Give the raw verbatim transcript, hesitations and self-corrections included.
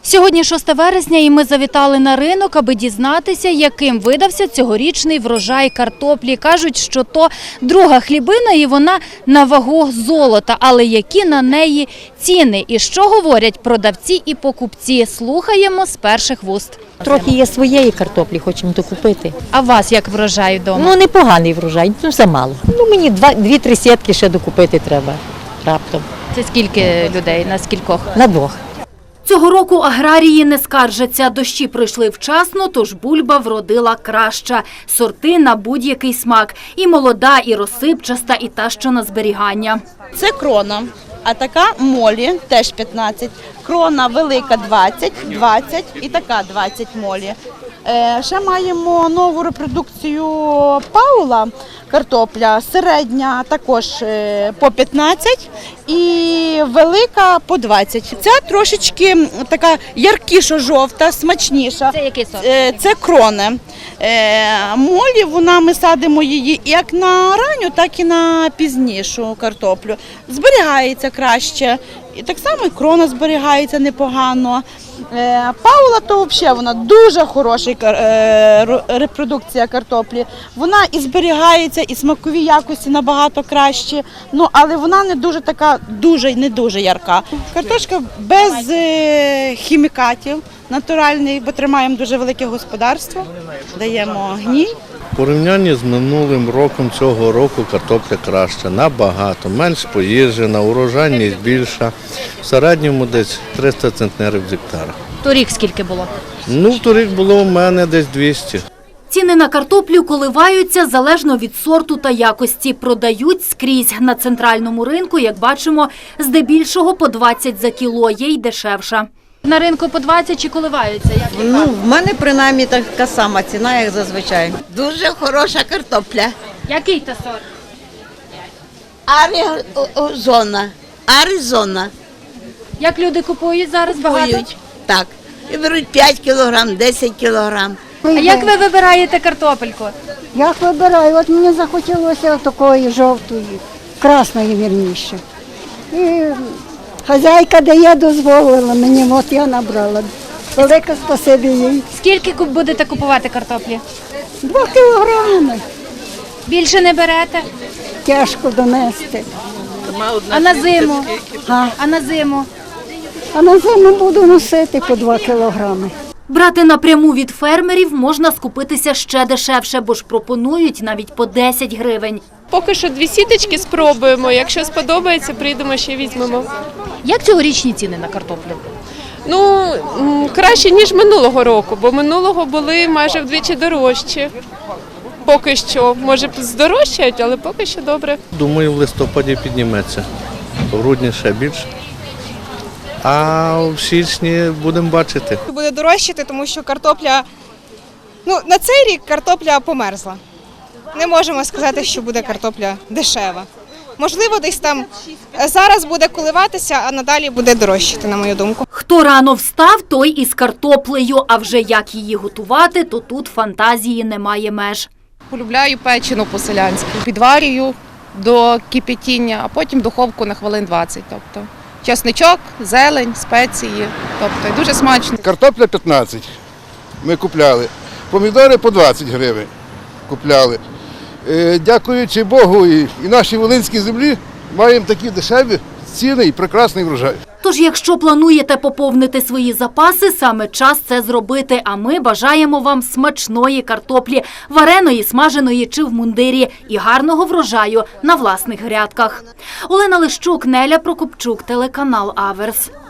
Сьогодні шосте вересня і ми завітали на ринок, аби дізнатися, яким видався цьогорічний врожай картоплі. Кажуть, що то друга хлібина і вона на вагу золота. Але які на неї ціни і що говорять продавці і покупці? Слухаємо з перших вуст. Трохи є своєї картоплі, хочемо докупити. А вас як врожай вдома? Ну, непоганий врожай, ну замало. Ну, мені два, дві-три сітки ще докупити треба раптом. Це скільки людей, на скількох? На двох. Цього року аграрії не скаржаться. Дощі прийшли вчасно, тож бульба вродила краща. Сорти на будь-який смак. І молода, і розсипчаста, і та, що на зберігання. Це крона, а така молі теж п'ятнадцять. Крона велика двадцять, двадцять і така двадцять молі. Е, ще маємо нову репродукцію Паула, картопля, середня також е, по п'ятнадцять і велика по двадцять. Ця трошечки така яркіша жовта, смачніша. Це який сорт? Е, це крони. Е, молі, вона, ми садимо її як на ранню, так і на пізнішу картоплю. Зберігається краще. І так само і крона зберігається непогано. Е, Паула, то взагалі вона дуже хороша е, репродукція картоплі. Вона і зберігається, і смакові якості набагато кращі, ну, але вона не дуже така, дуже не дуже ярка. Картошка без е, хімікатів, натуральний, бо тримаємо дуже велике господарство, даємо гній. В порівнянні з минулим роком цього року картопля краща, набагато, менш поїжджена, урожайність більша. В середньому десь триста центнерів з гектара. Торік скільки було? Ну, торік було у мене десь двісті. Ціни на картоплю коливаються залежно від сорту та якості. Продають скрізь. На центральному ринку, як бачимо, здебільшого по двадцять за кіло, є й дешевша. На ринку по двадцять чи коливаються? Як Ну, в мене принаймні така сама ціна, як зазвичай. Дуже хороша картопля. Який то сорт? Аризона. Аризона. Як люди купують зараз багато? Купують. Так. І беруть п'ять кілограм, десять кілограм. А як ви вибираєте картопельку? Як вибираю? От мені захотілося такої жовтої, красної вірніше. І хазяйка дає, дозволила мені, от я набрала. Велике спасибі їй. Скільки куп- будете купувати картоплі? Два кілограми. Більше не берете? Тяжко донести. А на зиму? А, А на зиму? а на зиму буду носити по два кілограми. Брати напряму від фермерів можна скупитися ще дешевше, бо ж пропонують навіть по десять гривень. Поки що дві сіточки спробуємо. Якщо сподобається, прийдемо ще візьмемо. Як цьогорічні ціни на картоплю? Ну, м, краще, ніж минулого року, бо минулого були майже вдвічі дорожчі. Поки що. Може, здорожчають, але поки що добре. Думаю, в листопаді підніметься, в грудні ще більше. А в січні будемо бачити. Буде дорожчати, тому що картопля, ну, на цей рік картопля померзла. Не можемо сказати, що буде картопля дешева. Можливо, десь там зараз буде коливатися, а надалі буде дорожчати, на мою думку. Хто рано встав, той із картоплею, а вже як її готувати, то тут фантазії немає меж. Полюбляю печену по-селянськи. Підварюю до кипятіння, а потім в духовку на хвилин двадцять. Тобто чесничок, зелень, спеції. Тобто дуже смачно. Картопля п'ятнадцять ми купляли. Помідори по двадцять гривень купляли. Е, Дякуючи Богу і, і нашій волинській землі маємо такі дешеві ціни і прекрасний врожай. Тож, якщо плануєте поповнити свої запаси, саме час це зробити. А ми бажаємо вам смачної картоплі, вареної, смаженої чи в мундирі і гарного врожаю на власних грядках. Олена Лищук, Неля Прокопчук, телеканал Аверс.